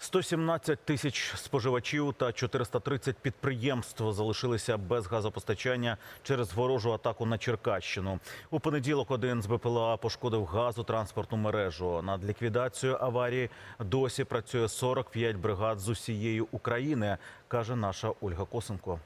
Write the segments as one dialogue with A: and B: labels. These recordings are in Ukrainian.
A: 117 тисяч споживачів та 430 підприємств залишилися без газопостачання через ворожу атаку на Черкащину. У понеділок один з БПЛА пошкодив газотранспортну мережу. Над ліквідацією аварії досі працює 45 бригад з усієї України, каже наша Ольга Косенко.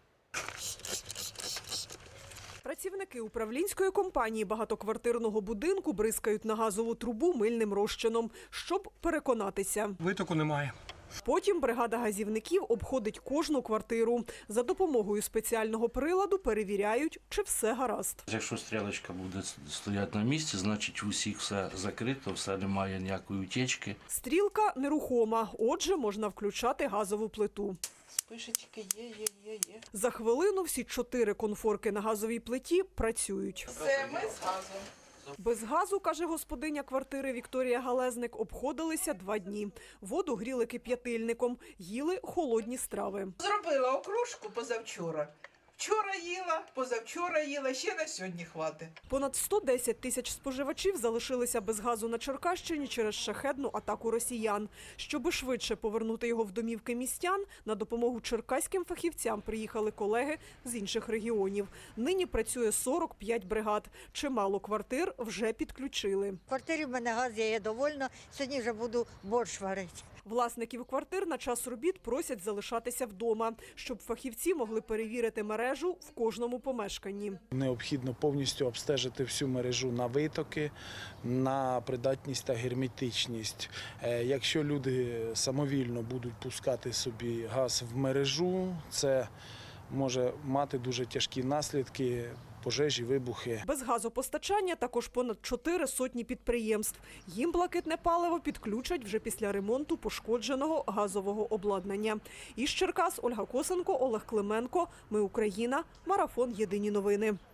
B: Працівники управлінської компанії багатоквартирного будинку бризкають на газову трубу мильним розчином, щоб переконатися.
C: Витоку немає.
B: Потім бригада газівників обходить кожну квартиру. За допомогою спеціального приладу перевіряють, чи все гаразд.
D: Якщо стрілочка буде стояти на місці, значить у всіх все закрито, все немає ніякої утечки.
B: Стрілка нерухома, отже, можна включати газову плиту.
E: Спишечки є.
B: За хвилину всі 4 конфорки на газовій плиті працюють.
E: Все, ми з газом.
B: Без газу, каже господиня квартири Вікторія Галезник, обходилися 2 дні. Воду гріли кип'ятильником, їли холодні страви.
E: Зробила окрошку позавчора. Вчора їла, позавчора їла, ще на сьогодні хватить.
B: Понад 110 тисяч споживачів залишилися без газу на Черкащині через шахедну атаку росіян. Щоби швидше повернути його в домівки містян, на допомогу черкаським фахівцям приїхали колеги з інших регіонів. Нині працює 45 бригад. Чимало квартир вже підключили.
F: В квартирі в мене газ є, я довольна. Сьогодні вже буду борщ варити.
B: Власників квартир на час робіт просять залишатися вдома, щоб фахівці могли перевірити мережу в кожному помешканні.
G: Необхідно повністю обстежити всю мережу на витоки, на придатність та герметичність. Якщо люди самовільно будуть пускати собі газ в мережу, це може мати дуже тяжкі наслідки. Пожежі, вибухи.
B: Без газопостачання також понад 4 сотні підприємств. Їм блакитне паливо підключать вже після ремонту пошкодженого газового обладнання. Із Черкас Ольга Косенко, Олег Клименко. Ми Україна. Марафон. Єдині новини.